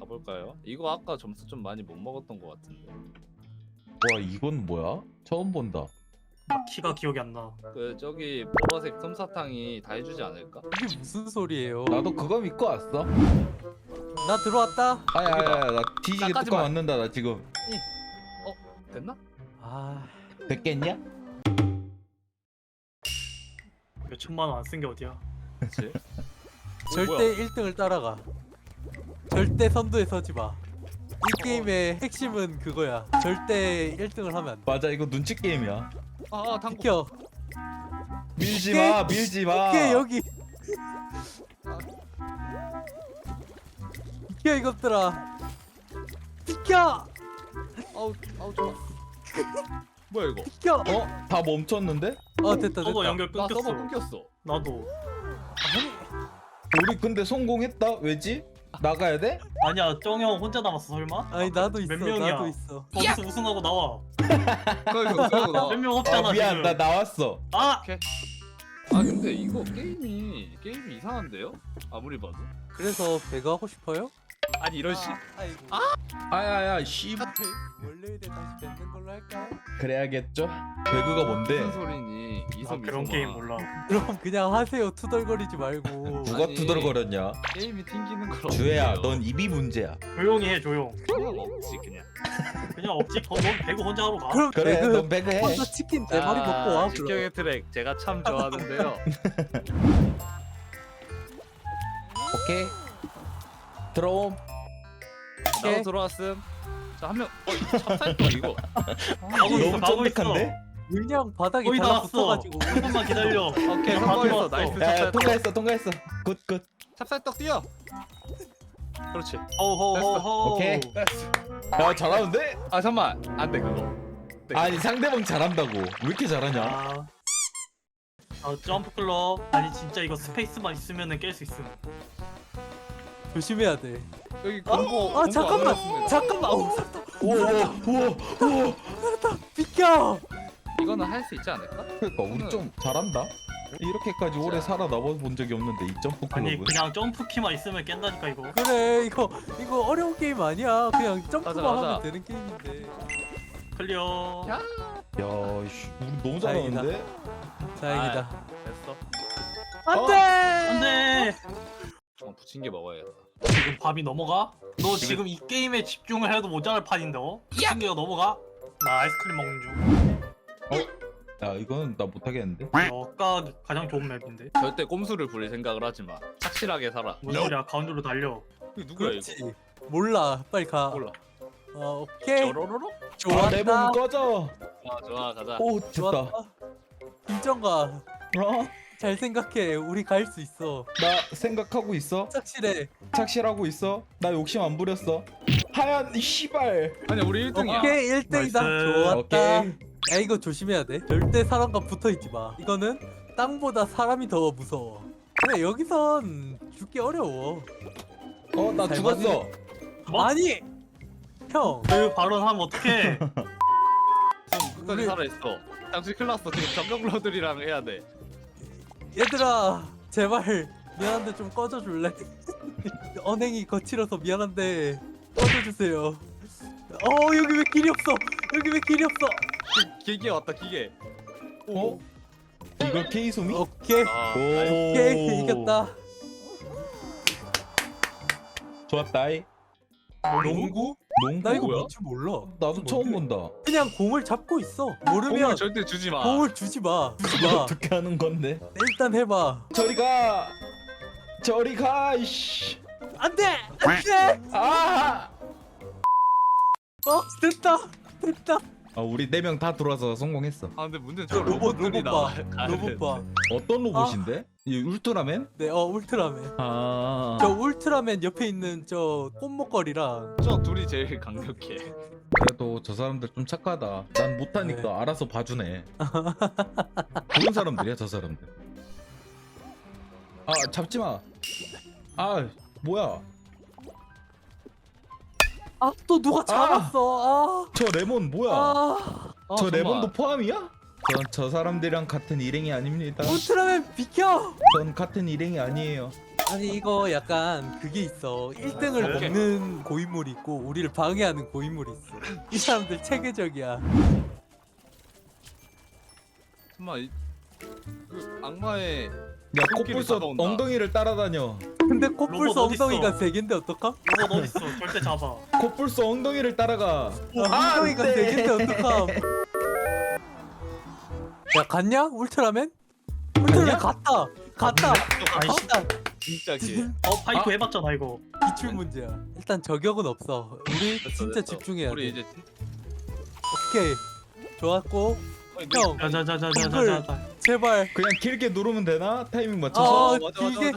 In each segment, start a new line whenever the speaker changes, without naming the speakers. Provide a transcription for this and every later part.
가볼까요? 이거 아까 점수 좀 많이 못 먹었던 것 같은데.
와 이건 뭐야? 처음 본다.
나 키가 기억이 안 나.
그 저기 보라색 솜사탕이 다 해주지 않을까?
이게 무슨 소리예요?
나도 그거 믿고 왔어.
나 들어왔다.
아야야야 나 뒤지게
나까지
뚜껑
마.
맞는다 나 지금.
됐나?
아,
됐겠냐?
몇 천만 원 안 쓴 게 어디야?
그치?
절대 1등을 따라가. 절대 선두에 서지 마. 이 게임의 핵심은 그거야. 절대 1등을 하면 안 돼.
맞아 이거 눈치 게임이야.
아 당구.
비켜.
밀지
오케이.
마 밀지 마.
오케이 여기. 비켜 이것들아. 비켜.
아우 좋아. 뭐야 이거?
비켜.
어? 다 멈췄는데?
됐다
서버
됐다.
연결
나
끊겼어.
서버 끊겼어.
나도.
우리 근데 성공했다? 왜지? 나가야 돼?
아니야, 쩡형 혼자 남았어 설마?
아니 나도 있어.
몇 명이야?
나도 있어.
거기서 우승하고 나와.
그거 나.
몇 명
아
없잖아
미안
지금.
나 나왔어.
아!
아 근데 이거 게임이 이상한데요? 아무리 봐도.
그래서 배그 하고 싶어요?
아니 이런 씨.
아이고.
아야야 씨.
월요일에 다시 뵙는 걸로 할까요?
그래야겠죠? 배그가 뭔데?
무슨 소리니? 이성
그런
이성아.
게임 몰라.
그럼 그냥 하세요. 투덜거리지 말고.
누가
아니.
투덜거렸냐?
게임이 튕기는 걸.
주혜야
어떡해요?
넌 입이 문제야.
조용히 해 조용.
그냥 없지 그냥.
그냥 없지. 너 배구 혼자 하러 가.
그럼
그래
배그
넌 배그해.
혼자 치킨 4마리 먹고 와. 그럼.
직경의 트랙 제가 참 좋아하는데요.
오케이. 들어옴.
나도 들어왔음. 자 한 명. 찹쌀떡 이거.
가고 있어
너무
가고 있어.
쫀득한데?
물량 바닥에
거의 다 왔어.
달라붙어가지고.
조금만 기다려.
오케이
다
성공했어.
들어왔어.
나이스
야
찹쌀떡.
통과했어. 굿.
찹쌀떡 뛰어. 그렇지.
호호호호.
오케이. 야 잘하는데?
아 잠만 안돼 그거.
아니 상대방 잘한다고. 왜 이렇게 잘하냐?
점프 클럽. 아니 진짜 이거 스페이스만 있으면은 깰 수 있음.
조심해야 돼.
여기 공고.
아 잠깐만. 잠깐만.
우와.
비켜.
이거는 할 수 있지 않을까?
그러니까 우리 좀 잘한다. 이렇게까지 오래 살아남아 본 적이 없는데 이 점프
아니
클럽은.
그냥 점프 키만 있으면 깬다니까 이거.
그래 이거 어려운 게임 아니야. 그냥 점프만
가자.
하면 되는 게임인데.
클리어.
야.
야, 씨, 우리 너무
다행이다.
잘하는데?
다행이다.
됐어.
안돼.
안돼.
부친 게 먹어야겠다.
지금 밤이 넘어가? 너 지금 이 게임에 집중을 해도 모자랄 판인데 어? 신기가 넘어가? 나 아이스크림 먹는 중.
야, 이건 나 못하겠는데?
여가 가장 좋은 맵인데.
절대 꼼수를 부릴 생각을 하지 마. 착실하게 살아.
뭔 소리야? 가운데로 달려.
이거 누구야 이거?
그렇지. 몰라. 빨리 가.
몰라.
오케이.
쪼로로로?
아, 내 몸
좋았다.
꺼져!
좋아 가자.
오, 됐다.
좋았다. 김정가.
어?
잘 생각해. 우리 갈 수 있어.
나 생각하고 있어?
착실해.
착실하고 있어? 나 욕심 안 부렸어? 하얀 이 씨발!
아니야 우리 1등이야.
오케이 1등이다.
나이스.
좋았다.
오케이.
야 이거 조심해야 돼. 절대 사람과 붙어 있지 마. 이거는 땅보다 사람이 더 무서워. 그래 여기선 죽기 어려워.
어, 나
잘
죽었어!
뭐?
아니 형.
그 발언하면 어떡해?
끝까지
우리-
살아있어. 당신 큰일 났어. 지금 전병러들이랑 해야 돼.
얘들아 제발 미안한데 좀 꺼져줄래? 언행이 거칠어서 미안한데 꺼져주세요. 여기 왜 길이 없어? 여기 왜 길이 없어?
기계 왔다 기계.
어? 이걸 케이소미?
오케이
아,
오.
오케이 이겼다.
좋았다이.
농구?
농구?
나 이거
뭐야?
뭔지 몰라.
나도 처음 본다.
그냥 공을 잡고 있어.
공을
모르면
절대 주지 마.
공을 주지 마. 주지
이거
마.
어떻게 하는 건데?
일단 해봐.
저리 가! 저리 가! 이씨!
안돼 안돼.
아!
됐다.
아, 우리 4명 다 들어와서 성공했어.
아 근데 문제는 저
로봇
로봇들이
봐.
나와.
로봇 봐.
어떤 로봇인데? 이 울트라맨?
네, 울트라맨.
아.
저 울트라맨 옆에 있는 저 꽃목걸이랑
저 둘이 제일 강력해.
그래도 저 사람들 좀 착하다. 난 못하니까
네.
알아서 봐주네. 좋은 사람들이야 저 사람들. 아 잡지 마. 아 뭐야?
또 누가 잡았어.
저 레몬 뭐야? 저
잠깐만.
레몬도 포함이야? 전 저 사람들이랑 같은 일행이 아닙니다.
울트라맨 비켜.
전 같은 일행이 아니에요.
아니 이거 약간 그게 있어. 1등을
오케이.
먹는 고인물이 있고 우리를 방해하는 고인물이 있어. 이 사람들 체계적이야.
정말 그 악마의
야
손길이
코뿔소
다가온다.
엉덩이를 따라다녀.
근데
로봇
코뿔소
어딨어?
엉덩이가 3개인데 어떡함?
로봇 어딨어? 절대 잡아.
코뿔소 엉덩이를 따라가.
엉덩이가
안 돼.
3개인데 어떡함? 야 갔냐? 울트라맨? 울트라맨 갔다. 갔다.
아이씨.
갔다.
진짜 기.
파이프 해봤잖아 이거.
기출 문제야. 일단 저격은 없어. 우리 진짜 집중해야
우리
돼.
이제
오케이. 좋았고. 형
자자자자자자자.
제발.
그냥 길게 누르면 되나? 타이밍 맞춰서.
아
맞아,
이게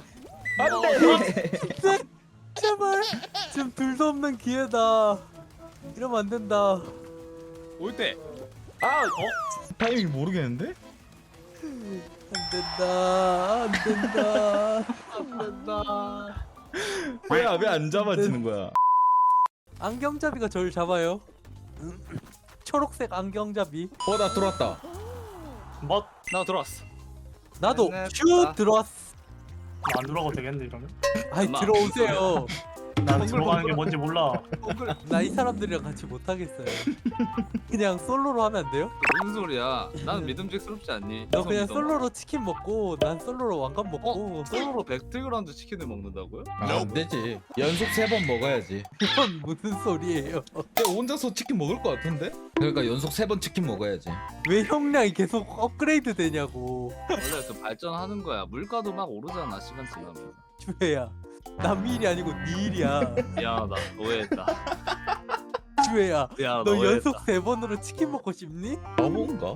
안돼.
제발. 지금 둘도 없는 기회다. 이러면 안 된다.
올 때.
아 타이밍 모르겠는데?
안 된다. 안 된다.
안 된다.
왜 안 잡아지는 거야?
안경잡이가 저를 잡아요. 초록색 안경잡이.
나 들어왔다.
뭐?
나 들어왔어.
나도
네,
슛 들어왔어.
안 들어가도 되겠는데 이러면?
아이
엄마.
들어오세요.
난 들어가는 게 뭔지 몰라.
나 이 사람들이랑 같이 못 하겠어요. 그냥 솔로로 하면 안 돼요?
무슨 소리야? 나는 믿음직스럽지 않니?
너 그냥
믿어.
솔로로 치킨 먹고 난 솔로로 왕관 먹고
솔로로 배틀그라운드 치킨을 먹는다고요?
안 되지. 연속 3번 먹어야지.
이건 무슨 소리예요?
근데 혼자서 치킨 먹을 것 같은데? 그러니까 연속 3번 치킨 먹어야지.
왜 형량이 계속 업그레이드 되냐고.
원래 그 발전하는 거야. 물가도 막 오르잖아 시간 지나면.
주혜야 남의 일이 아니고 네 일이야.
미안하다. 오해했다.
주혜야
미안하다.
너
오해했다.
연속 3번으로 치킨 먹고 싶니?
바본가?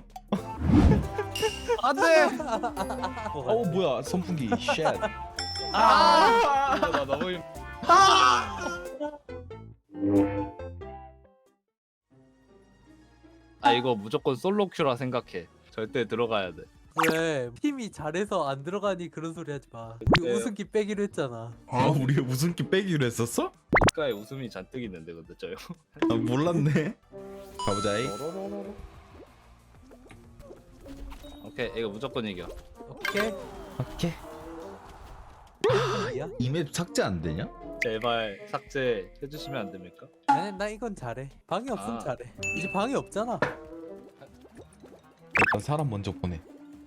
안돼.
뭐야 선풍기. 쉣.
나 너무 힘. 아 이거 무조건 솔로 큐라 생각해. 절대 들어가야 돼.
왜 팀이 잘해서 안 들어가니 그런 소리 하지 마. 우리
네.
웃음기 빼기로 했잖아.
우리 무슨 끼 빼기로 했었어?
국가에 웃음이 잔뜩 있는데 근데 저요.
몰랐네. 가보자이.
오케이 이거 무조건 이겨.
오케이.
오케이.
야?
이 맵 삭제 안 되냐?
제발 삭제 해주시면 안 됩니까?
나 이건 잘해. 방이 없으면
아.
잘해. 이제 방이 없잖아.
일단 사람 먼저 보내.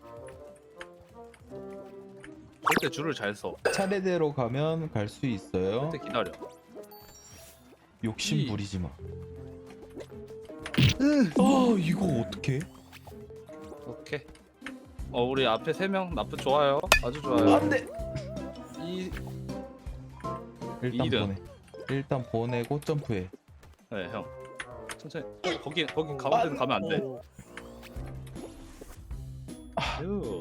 절대 줄을 잘 서.
차례대로 가면 갈 수 있어요.
절대 기다려.
욕심
이-
부리지 마. 이거 어떡해?
오케이. 우리 앞에 3명 나쁘 좋아요. 아주 좋아요.
안돼.
이
일단
이등.
보내. 일단 보내고 점프해.
네, 형. 천천히. 거기 가운데는 가면 안 돼. 휴.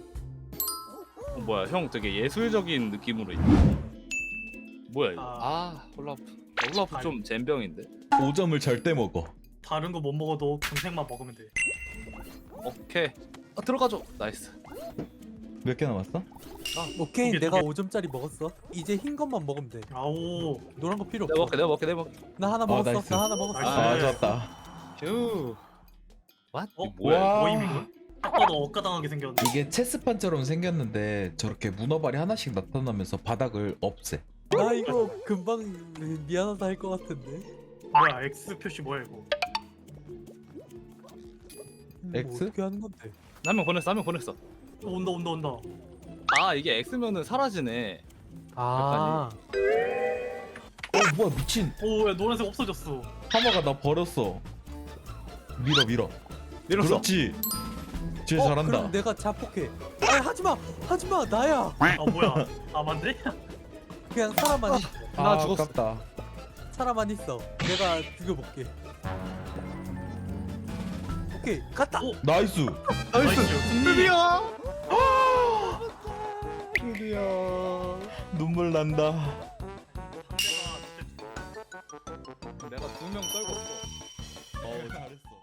뭐야, 형 되게 예술적인 느낌으로 있네. 뭐야 이거? 홀라프. 홀라프 좀 잼병인데.
5점을 절대 먹어.
다른 거 못 먹어도 금색만 먹으면 돼.
오케이. 들어가줘. 나이스.
몇 개 남았어?
오케이
두 개,
내가
두
5점짜리 먹었어. 이제 흰 것만 먹으면 돼.
아오.
노란 거 필요
내가
없어.
먹게.
나 하나 먹었어.
나이스.
나 하나 먹었어.
나이스.
좋았다.
휴. 왓?
어?
이거 뭐야?
와.
모임 이거? 딱 봐도 억까당하게 생겼는데.
이게 체스판처럼 생겼는데 저렇게 문어발이 하나씩 나타나면서 바닥을 없애.
나 이거 금방 미안하다 할 것 같은데.
뭐야 X 표시 뭐야 이거?
X?
어떻게 하는 건데?
한 명 보냈어.
온다.
아, 이게 X면은 사라지네.
아,
뭐야 미친.
오, 야 노란색 없어졌어.
하마가 나 버렸어. 밀어.
밀었어.
그렇지. 쟤
그럼
잘한다.
내가 자폭해. 아 하지마 나야.
아 뭐야? 아 맞네?
그냥 사람만 있어.
나 죽었어.
아깝다.
사람만 있어. 내가 죽여볼게. 오케이 갔다.
오.
나이스.
나이스. 승리.
드디어 눈물 난다.
내가 2명 떨궜어.
잘했어.